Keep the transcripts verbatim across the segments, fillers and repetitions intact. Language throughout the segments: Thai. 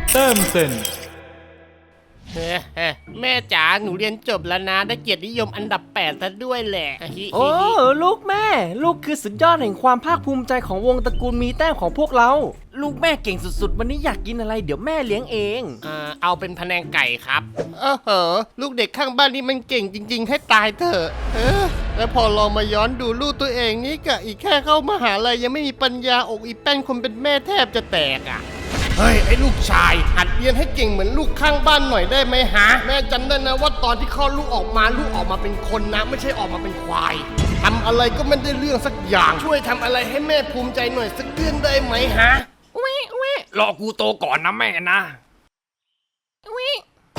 แต้มเซ็นเฮ้แม่จ๋าหนูเรียนจบแล้วนะได้เกียรตินิยมอันดับแปดซะด้วยแหละโอ้ลูกแม่ลูกคือสุดยอดแห่งความภาคภูมิใจของวงตระกูลมีแต้มของพวกเราลูกแม่เก่งสุดๆวันนี้อยากกินอะไรเดี๋ยวแม่เลี้ยงเองเอ่อเอาเป็นพะแนงไก่ครับเออเหอลูกเด็กข้างบ้านนี่มันเก่งจริงๆให้ตายเถอะเออแล้วพอลองมาย้อนดูลูกตัวเองนี่กะอีกแค่เข้ามหาลัยยังไม่มีปัญญาอกอีแป้นคนเป็นแม่แทบจะแตกอ่ะเฮ้ยไอ้ลูกชายหัดเรียนให้เก่งเหมือนลูกข้างบ้านหน่อยได้ไหมฮะแม่จำได้นะว่าตอนที่คลอดลูกออกมาลูกออกมาเป็นคนนะไม่ใช่ออกมาเป็นควายทำอะไรก็ไม่ได้เรื่องสักอย่างช่วยทำอะไรให้แม่ภูมิใจหน่อยสักเดือนได้ไหมฮะวิวิรอกูโตก่อนนะแม่นะวิ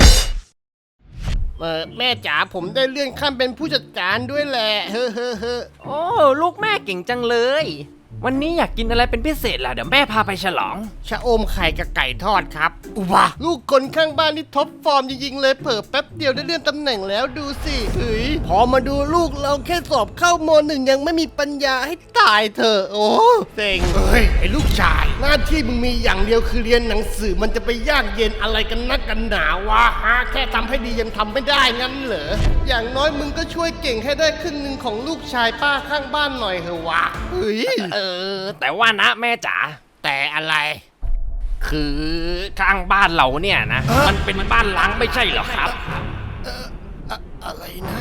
เออแม่จ๋าผมได้เลื่อนขั้นเป็นผู้จัดการด้วยแหละเฮ้อเฮ้อเฮ้อโอ้ลูกแม่เก่งจังเลยวันนี้อยากกินอะไรเป็นพิเศษล่ะเดี๋ยวแม่พาไปฉลองชะอมไข่กับไก่ทอดครับอุบะลูกคนข้างบ้านนี่ท็อปฟอร์มจริงๆเลยเผิ่แป๊บเดียวได้เลื่อนตำแหน่งแล้วดูสิเฮ้ยพอมาดูลูกเราแค่สอบเข้ามหนึ่งยังไม่มีปัญญาให้ตายเถอะโอ้เซ็งเฮ้ยไอ้ลูกชายหน้าที่มึงมีอย่างเดียวคือเรียนหนังสือมันจะไปยากเย็นอะไรกันนักกันหนาวะฮะแค่ทำให้ดียังทำไม่ได้งั้นเหรออย่างน้อยมึงก็ช่วยเก่งให้ได้ครึ่งหนึ่งของลูกชายป้าข้างบ้านหน่อยเถอะวะเฮ้ยเออแต่ว่านะแม่จ๋าแต่อะไรคือข้างบ้านเราเนี่ยนะมันเป็นบ้านล้างไม่ใช่เหรอครับเอ่ออะอะไรนะ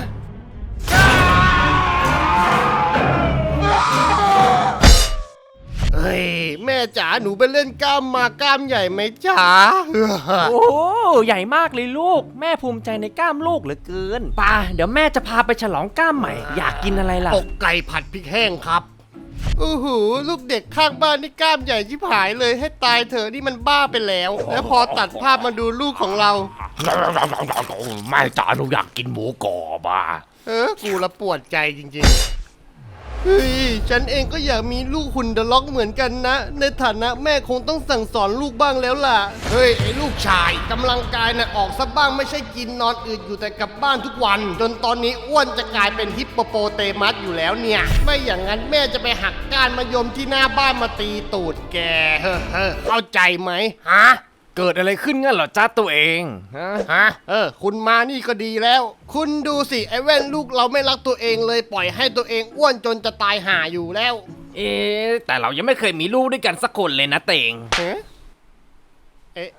เฮ้ยแม่จ๋าหนูไปเล่นกล้ามมากล้ามใหญ่ไหมจ๋าโอ้ใหญ่มากเลยลูกแม่ภูมิใจในกล้ามลูกเหลือเกินป่ะเดี๋ยวแม่จะพาไปฉลองกล้ามใหม่อยากกินอะไรล่ะอกไก่ผัดพริกแห้งครับโอ้โหลูกเด็กข้างบ้านนี่กล้ามใหญ่ชิบหายเลยให้ตายเถอะนี่มันบ้าไปแล้วแล้วพอตัดภาพมาดูลูกของเราแม่จ๋าหนูอยากกินหมูกรอบอ่ะเออกูละปวดใจจริงๆเฮ้ยฉันเองก็อยากมีลูกหุ่นเดอะล็อกเหมือนกันนะในฐานะแม่คงต้องสั่งสอนลูกบ้างแล้วล่ะเฮ้ยไอ้ลูกชายกำลังกายน่ะออกซะบ้างไม่ใช่กินนอนอืดอยู่แต่กลับบ้านทุกวันจนตอนนี้อ้วนจะกลายเป็นฮิปโปโปเตมัสอยู่แล้วเนี่ยไม่อย่างนั้นแม่จะไปหักก้านมะยมที่หน้าบ้านมาตีตูดแกเฮ้อเข้าใจไหมฮะเกิดอะไรขึ้นงั้นเหรอจ้าตัวเองฮะฮะเออคุณมานี่ก็ดีแล้วคุณดูสิไอ้แว่นลูกเราไม่รักตัวเองเลยปล่อยให้ตัวเองอ้วนจนจะตายห่าอยู่แล้วเอ๊ะแต่เรายังไม่เคยมีลูกด้วยกันสักคนเลยนะเตงเอ๊ะเอ๊ะ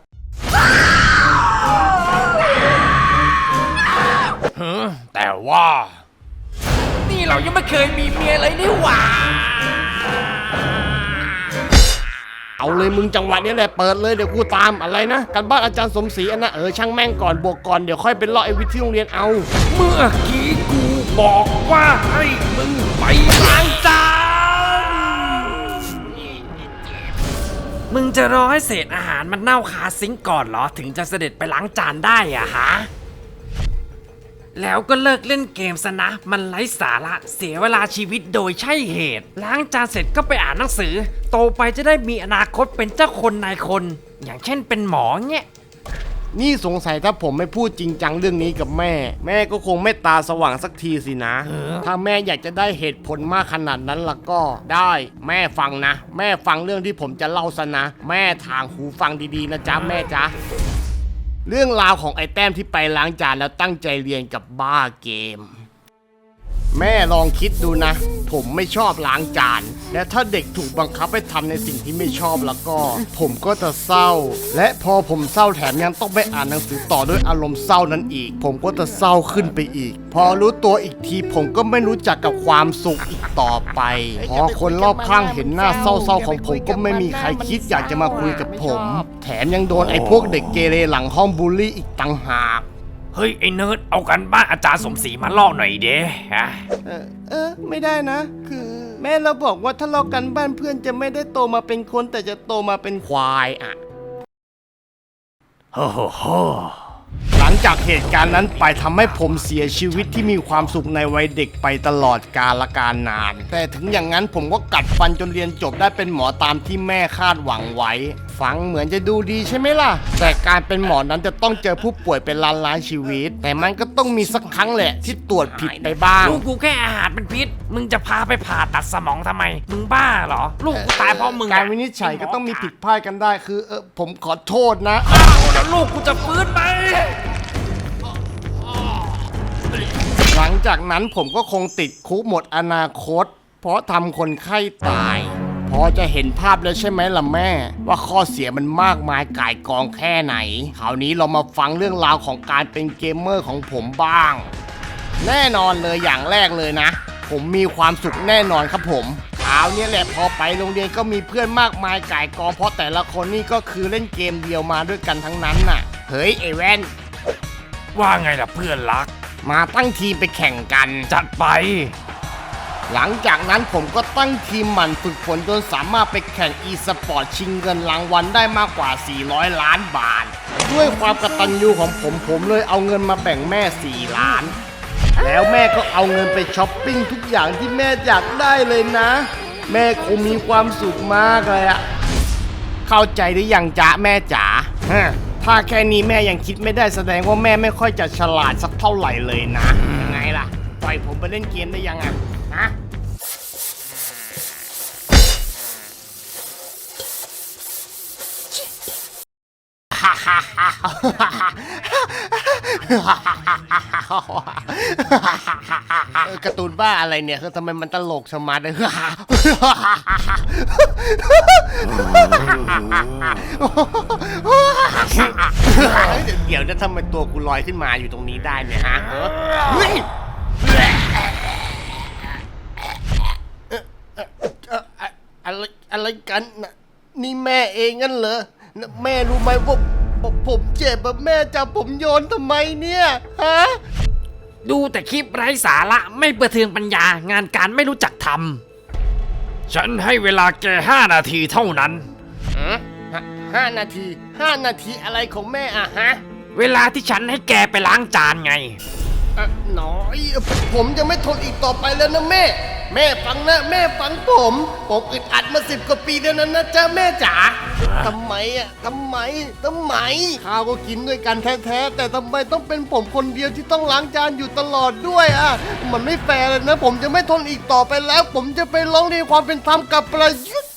แต่ว่านี่เรายังไม่เคยมีเมียเลยนี่หว่าเอาเลยมึงจังหวะนี้แหละเปิดเลยเดี๋ยวกูตามอะไรนะกันบ้านอาจารย์สมศรีอันนะเออช่างแม่งก่อนบวกก่อนเดี๋ยวค่อยเป็นเลาะไอ้วิทย์ที่โรงเรียนเอาเมื่อกี้กูบอกว่าให้มึงไปล้างจานมึงจะรอให้เศษอาหารมันเน่าคาซิงก์ก่อนเหรอถึงจะเสด็จไปล้างจานได้อะฮะแล้วก็เลิกเล่นเกมซะนะมันไร้สาระเสียเวลาชีวิตโดยใช่เหตุล้างจานเสร็จก็ไปอ่านหนังสือโตไปจะได้มีอนาคตเป็นเจ้าคนนายคนอย่างเช่นเป็นหมอเงี้ยนี่สงสัยถ้าผมไม่พูดจริงจังเรื่องนี้กับแม่แม่ก็คงไม่ตาสว่างสักทีสินะถ้าแม่อยากจะได้เหตุผลมากขนาดนั้นล่ะก็ได้แม่ฟังนะแม่ฟังเรื่องที่ผมจะเล่าซะนะแม่ทางหูฟังดีๆนะจ๊ะแม่จ๊ะเรื่องราวของไอ้แต้มที่ไปล้างจานแล้วตั้งใจเรียนกับบ้าเกมแม่ลองคิดดูนะผมไม่ชอบล้างจานและถ้าเด็กถูกบังคับให้ทำในสิ่งที่ไม่ชอบแล้วก็ผมก็จะเศร้าและพอผมเศร้าแถมยังต้องไปอ่านหนังสือต่อด้วยอารมณ์เศร้านั้นอีกผมก็จะเศร้าขึ้นไปอีกพอรู้ตัวอีกทีผมก็ไม่รู้จักกับความสุขอีกต่อไปพอคนรอบข้างเห็นหน้าเศร้าๆของผมก็ไม่มีใครคิดอยากจะมาคุยกับผมแถมยังโดนไอ้พวกเด็กเกเรหลังห้องบูลลี่อีกต่างหากเฮ้ยไอ้เนิร์ดเอากันบ้านอาจารย์สมศรีมาลอกหน่อยเด้ฮะเออเออไม่ได้นะคือแม่เราบอกว่าถ้าลอกกันบ้านเพื่อนจะไม่ได้โตมาเป็นคนแต่จะโตมาเป็นควายอ่ะโฮ้โฮ้โฮหลังจากเหตุการณ์นั้นไปทำให้ผมเสียชีวิตที่มีความสุขในวัยเด็กไปตลอดกาลกาลนานแต่ถึงอย่างนั้นผมก็กัดฟันจนเรียนจบได้เป็นหมอตามที่แม่คาดหวังไว้ฟังเหมือนจะดูดีใช่ไหมล่ะแต่การเป็นหมอนั้นจะต้องเจอผู้ป่วยเป็นล้านล้านชีวิตแต่มันก็ต้องมีสักครั้งแหละที่ตรวจผิดไปบ้างลูกกูแค่อาหารเป็นพิษ มึงจะพาไปผ่าตัดสมองทำไม มึงบ้าเหรอ ลูกกูตายเพราะมึงอะการวินิจฉัยก็ต้องมีผิดพลาดกันได้คือเออผมขอโทษนะอ้าวแล้วลูกกูจะฟื้นไหมหลังจากนั้นผมก็คงติดคุกหมดอนาคต เพราะทำคนไข้ตาย พอจะเห็นภาพแล้วใช่ไหมล่ะแม่ ว่าข้อเสียมันมากมายก่ายกองแค่ไหน คราวนี้เรามาฟังเรื่องราวของการเป็นเกมเมอร์ของผมบ้าง แน่นอนเลยอย่างแรกเลยนะ ผมมีความสุขแน่นอนครับผมคราวนี้แหละพอไปโรงเรียนก็มีเพื่อนมากมายก่ายกองเพราะแต่ละคนนี่ก็คือเล่นเกมเดียวมาด้วยกันทั้งนั้นน่ะเฮ้ยไอแว่นว่าไงล่ะเพื่อนรักมาตั้งทีมไปแข่งกันจัดไปหลังจากนั้นผมก็ตั้งทีมหมั่นฝึกฝนจนสามารถไปแข่ง e-sport ชิงเงินรางวัลได้มากกว่า สี่ร้อย ล้านบาท ด้วยความกตัญญูของผมผมเลยเอาเงินมาแบ่งแม่ สี่ ล้าน แล้วแม่ก็เอาเงินไปช้อปปิ้งทุกอย่างที่แม่อยากได้เลยนะ แม่คงมีความสุขมากเลยอะเข้าใจหรือยังจ๊ะแม่จ๋าฮะถ้าแค่นี้แม่ยังคิดไม่ได้แสดงว่าแม่ไม่ค่อยจะฉลาดสักเท่าไหร่เลยนะยังไงล่ะปล่อยผมไปเล่นเกมได้ยังอะฮะ เออการ์ตูนบ้าอะไรเนี่ยคือทำไมมันตลกชะมัดเลย เดี๋ยวจะทำไมตัวกูลอยขึ้นมาอยู่ตรงนี้ได้เนี่ยฮะเออเฮ้ยเอ่อเอ่อเอ่ออะไรอะไรกันน่ะนี่แม่เองงั้นเหรอน่ะแม่รู้ไหมว่าผมผมเจ็บอะแม่จับผมโยนทำไมเนี่ยฮะดูแต่คลิปไร้สาระไม่ประเทืองปัญญางานการไม่รู้จักทำ ฉันให้เวลาแกห้านาทีเท่านั้นฮะห้านาทีห้านาทีอะไรของแม่อะฮะเวลาที่ฉันให้แกไปล้างจานไงเอ่อหน้อยผมจะไม่ทนอีกต่อไปแล้วนะแม่ แม่ฟังนะแม่ฟังผมผมอึดอัดมาสิบกว่าปีแล้วนะนะจ๊ะแม่จ๋าทำไมอะทำไมทำไมข้าวก็กินด้วยกันแท้ๆแต่ทำไมต้องเป็นผมคนเดียวที่ต้องล้างจานอยู่ตลอดด้วยอะมันไม่แฟร์เลยนะ ผมจะไม่ทนอีกต่อไปแล้ว ผมจะไปร้องเรียนความเป็นธรรมกับประยุทธ์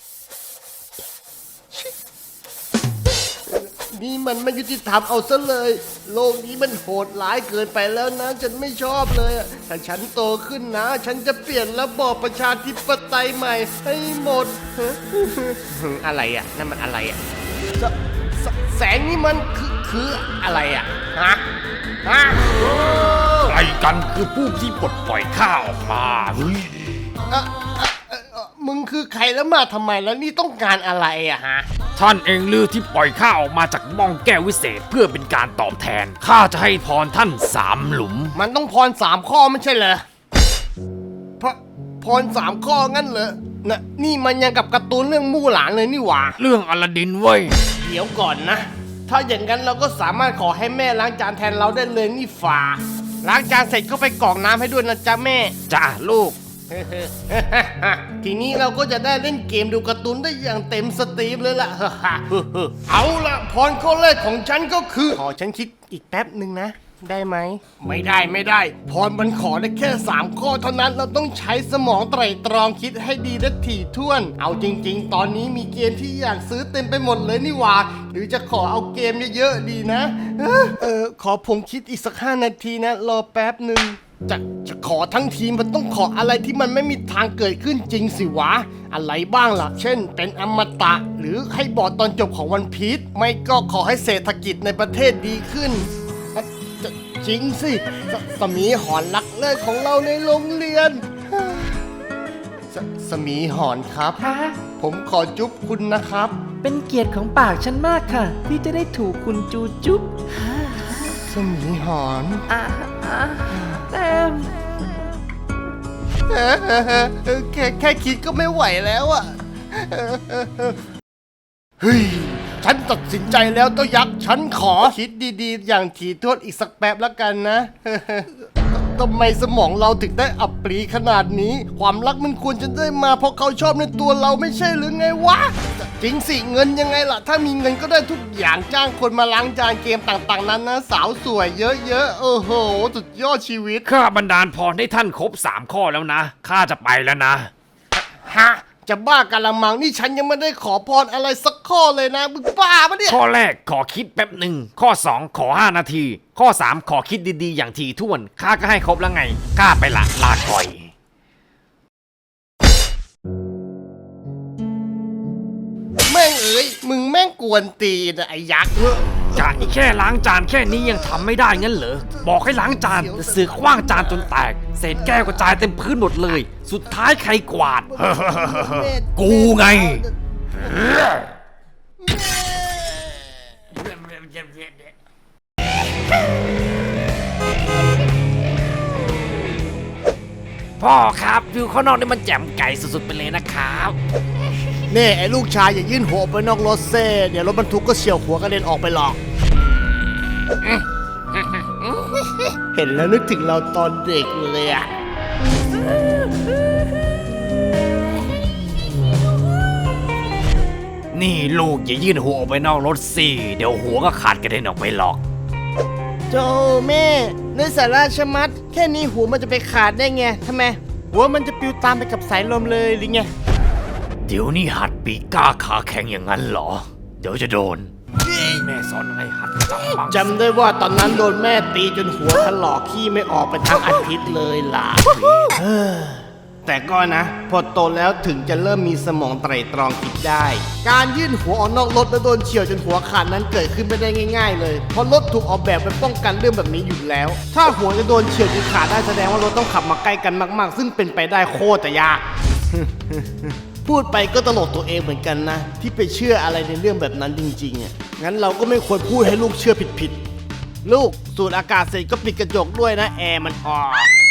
นี่มันไม่ยุติธรรมเอาซะเลย โลกนี้มันโหดร้ายเกินไปแล้วนะ ฉันไม่ชอบเลยอะถ้าฉันโตขึ้นนะ ฉันจะเปลี่ยนระบอบประชาธิปไตยใหม่ให้หมด อะไรอ่ะนั่นมันอะไรอ่ะแสแสแสงนี่มันคือคืออะไรอ่ะฮะฮะใครกันคือผู้ที่ปลดปล่อยข้าออกมาเฮ้ยเอ่อเอ่อเอ่อเอ่อมึงคือใครแล้วมาทำไมแล้วนี่ต้องการอะไรอ่ะฮะท่านเองลือที่ปล่อยข้าออกมาจากม่องแก้ววิเศษเพื่อเป็นการตอบแทน ข้าจะให้พรท่านสามหลุมมันต้องพรสามข้อไม่ใช่เหรอพระพรสามข้องั้นเหรอนะนี่มันยังกับการ์ตูนเรื่องมู่หลานเลยนี่หว่าเรื่องอลาดินเว้ยเดี๋ยวก่อนนะ ถ้าอย่างนั้นเราก็สามารถขอให้แม่ล้างจานแทนเราได้เลยนี่ฝ่าล้างจานเสร็จก็ไปกรอกน้ำให้ด้วยนะจ๊ะแม่จ้าลูกทีนี้เราก็จะได้เล่นเกมดูการ์ตูนได้อย่างเต็มสตรีมเลยล่ะ เอาละพรข้อแรกของฉันก็คือ ขอฉันคิดอีกแป๊บหนึ่งนะ ได้ไหม ไม่ได้ไม่ได้ พรมันขอได้แค่สามข้อเท่านั้นเราต้องใช้สมองไตร่ตรองคิดให้ดีและถี่ถ้วน เอาจริง ๆ ตอนนี้มีเกมที่อยากซื้อเต็มไปหมดเลยนี่หว่า หรือจะขอเอาเกมเยอะๆดีนะ เออเออขอผมคิดอีกสักห้านาทีนะ รอแป๊บหนึ่ง จะจะขอทั้งทีมมันต้องขออะไรที่มันไม่มีทางเกิดขึ้นจริงสิวะ อะไรบ้างล่ะ เช่น เป็นอมตะ หรือให้บอดตอนจบของวันพีชไม่ก็ขอให้เศรษฐกิจในประเทศดีขึ้นอ่ะจะจริงสิสสมีหอนรักเลิศของเราในโรงเรียนสสมีหอนครับคะผมขอจุ๊บคุณนะครับเป็นเกียรติของปากฉันมากค่ะ ที่จะได้ถูกคุณจูจุ๊บสมีหอนอ่าอ่าแต้มเออเออเออเออแค่แค่คิดก็ไม่ไหวแล้วอ่ะเออเออเออเฮ้ย ฉันตัดสินใจแล้วเต้ายักษ์ฉันขอคิดดีๆ อย่างถี่ถ้วนอีกสักแป๊บแล้วกันนะเออเออทำไมสมองเราถึงได้อับปรีขนาดนี้ ความรักมันควรจะได้มาเพราะเขาชอบในตัวเราไม่ใช่หรือไงวะ จะจริงสิเงินยังไงล่ะถ้ามีเงินก็ได้ทุกอย่างจ้างคนมาล้างจานเกมต่างๆนั้นนะสาวสวยเยอะๆโอ้โหสุดยอดชีวิตข้าบันดาลพรให้ท่านครบสามข้อแล้วนะ ข้าจะไปแล้วนะฮะจะบ้ากันละมังนี่ฉันยังไม่ได้ขอพรอะไรสักข้อเลยนะมึงบ้าปะเนี่ยข้อแรกขอคิดแป๊บหนึ่ง ข้อสองขอห้านาที ข้อสามขอคิดดีๆอย่างถี่ถ้วน ข้าก็ให้ครบแล้วไง ข้าไปละลาก่อยแม่งเอ้ยมึงแม่งกวนตีนอะไอ้ยักษ์จานแค่ล้างจานแค่นี้ยังทำไม่ได้งั้นเหรอ บอกให้ล้างจานแต่เสือกคว้างจานจนแตก เศษแก้วกระจายเต็มพื้นหมดเลย สุดท้ายใครกวาด กูไง พ่อครับวิวข้างนอกนี่มันแจ่มไก่สุดๆไปเลยนะครับนี่ไอ้ลูกชายอย่ายื่นหัวออกไปนอกรถเซ่เดี๋ยวรถบรรทุกก็เฉี่ยวหัวกระเด็นออกไปหรอก เห็นแล้วนึกถึงเราตอนเด็กเลยอะนี่ลูกอย่ายื่นหัวออกไปนอกรถสิ เดี๋ยวหัวก็ขาดกระเด็นออกไปหรอกโจแม่ในสาราชะมัด แค่นี้หัวมันจะไปขาดได้ไงทำไม หัวมันจะปลิวตามไปกับสายลมเลยหรือไงเดี๋ยวนี้หัดปีกล้าขาแข็งอย่างนั้นเหรอ เดี๋ยวจะโดน แม่สอนอะไรหัดจับบังจำได้ว่าตอนนั้นโดนแม่ตีจนหัวถลอกขี้ไม่ออกไปทั้งอาทิตย์เลยล่ะ แต่ก็นะ พอโตแล้วถึงจะเริ่มมีสมองไตร่ตรองคิดได้ การยื่นหัวออกนอกรถแล้วโดนเฉี่ยวจนหัวขาดนั้นเกิดขึ้นไม่ได้ง่ายๆเลยเพราะรถถูกออกแบบไปป้องกันเรื่องแบบนี้อยู่แล้ว ถ้าหัวจะโดนเฉี่ยวจนขาดได้แสดงว่ารถต้องขับมาใกล้กันมากๆ ซึ่งเป็นไปได้โคตรจะยาก พูดไปก็ตลกตัวเองเหมือนกันนะ ที่ไปเชื่ออะไรในเรื่องแบบนั้นจริงๆอ่ะงั้นเราก็ไม่ควรพูดให้ลูกเชื่อผิดๆลูกสูดอากาศเสร็จก็ปิดกระจกด้วยนะแอร์มันออก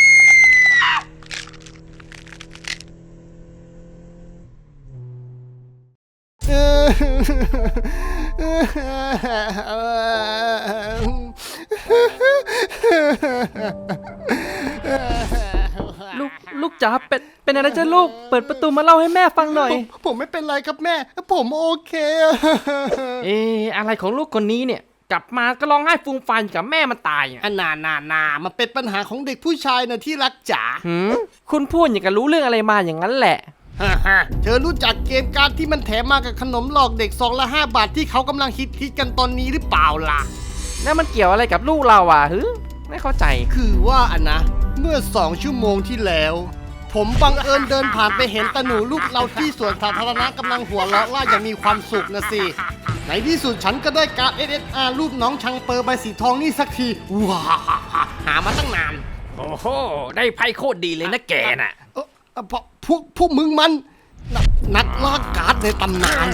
ลูกลูกจ๋าเป็นเป็นอะไรจ้ะลูก เปิดประตูมาเล่าให้แม่ฟังหน่อยผมผมไม่เป็นไรครับแม่ ผมโอเคเอ๊ะอะไรของลูกคนนี้เนี่ย กลับมาก็ร้องไห้ฟูมฟายกับแม่มันตายอ่ะอันนานานามันเป็นปัญหาของเด็กผู้ชายนะที่รักจ๋าหืมคุณพูดอย่างกับรู้เรื่องอะไรมาอย่างนั้นแหละฮ่าฮ่าเธอรู้จักเกมการ์ดที่มันแถมมากับขนมหลอกเด็กซองละห้าบาทที่เขากำลังฮิตฮิตกันตอนนี้หรือเปล่าล่ะแล้วมันเกี่ยวอะไรกับลูกเราอ่ะฮึไม่เข้าใจคือว่าอันนะ เมื่อสองชั่วโมงที่แล้ว ผมบังเอิญเดินผ่านไปเห็นตาหนูลูกเราที่สวนสาธารณะกำลังหัวเราะล่าอย่างมีความสุขนะสิ ในที่สุดฉันก็ได้การ์ด เอส เอส อาร์ รูปน้องชังเปอร์ใบสีทองนี่สักทีว้าหามาตั้งนานโอ้โห ได้ไพ่โคตรดีเลยนะแกน่ะเออเอ่อพวกพวกพวกมึงมันนนักล่าการ์ดในตำนาน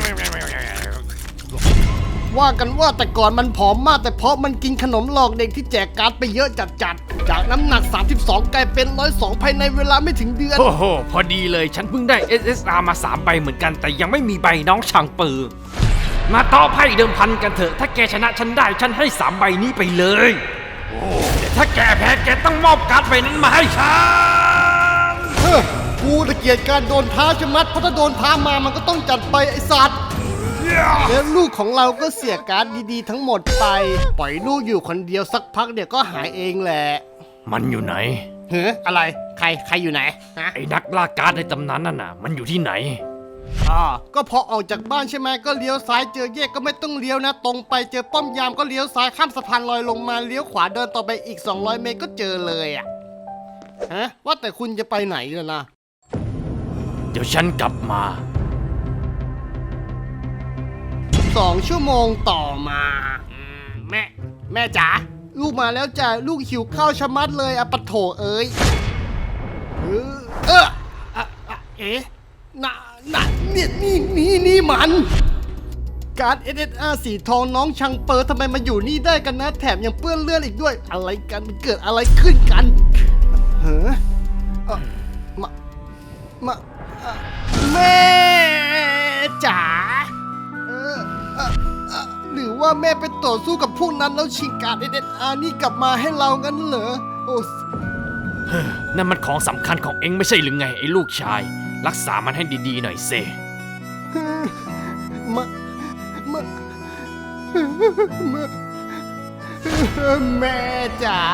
ว่ากันว่าแต่ก่อนมันผอมมากแต่เพราะมันกินขนมหลอกเด็กที่แจกการ์ดไปเยอะจัดๆ จากน้ำหนัก สามสิบสอง กลายเป็น หนึ่งร้อยสอง ภายในเวลาไม่ถึงเดือนโอ้โห พอดีเลยฉันเพิ่งได้ เอส เอส อาร์ มาสามใบเหมือนกันแต่ยังไม่มีใบน้องช่างปือ มาต่อไพ่เดิมพันกันเถอะ ถ้าแกชนะฉันได้ฉันให้สามใบนี้ไปเลย โอ้แต่ถ้าแกแพ้แกต้องมอบการ์ดใบนั้นมาให้ฉันเฮ้อกูตะเกียดการโดนท้าชะมัดเพราะถ้าโดนท้ามามันก็ต้องจัดไปไอ้สัตว์แล้วลูกของเราก็เสียการ์ดดีๆทั้งหมดไป ปล่อยลูกอยู่คนเดียวสักพักเดี๋ยวก็หายเองแหละมันอยู่ไหนเฮ้ออะไรใครใครอยู่ไหนฮะไอ้นักล่าการ์ดในตำนานนั่นน่ะ มันอยู่ที่ไหนอ๋อก็พอออกจากบ้านใช่ไหมก็เลี้ยวซ้ายเจอแยกก็ไม่ต้องเลี้ยวนะ ตรงไปเจอป้อมยามก็เลี้ยวซ้ายข้ามสะพานลอยลงมาเลี้ยวขวาเดินต่อไปอีกสองร้อยเมตรก็เจอเลยอ่ะฮะว่าแต่คุณจะไปไหนล่ะนะเดี๋ยวฉันกลับมาสองชั่วโมงต่อมาอืมแม่ แม่จ๋าลูกมาแล้วจ้ะลูกหิวข้าวชะมัดเลยอะปะโถเอ้ยเออเอออะอะเอ๊ะน่ะน่ะเนี่ยนี่นี่นี่มันการ์ด เอส เอส อาร์ สีทองน้องชังเปอร์ทำไมมาอยู่นี่ได้กันนะ แถมยังเปื้อนเลือดอีกด้วย อะไรกันมันเกิดอะไรขึ้นกันเฮ้อเอ่อมามาเอ่อแม่จ๋าเออเอ่อเอ่อหรือว่าแม่ไปต่อสู้กับพวกนั้นแล้วชิงการ์ด เอส เอส อาร์ นี่กลับมาให้เรางั้นเหรอโอ้นั่นมันของสำคัญของเอ็งไม่ใช่หรือไงไอ้ลูกชาย รักษามันให้ดีๆหน่อยเซไมแม่จ๋า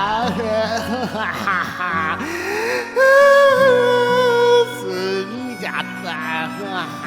ซึ้งจัดอะ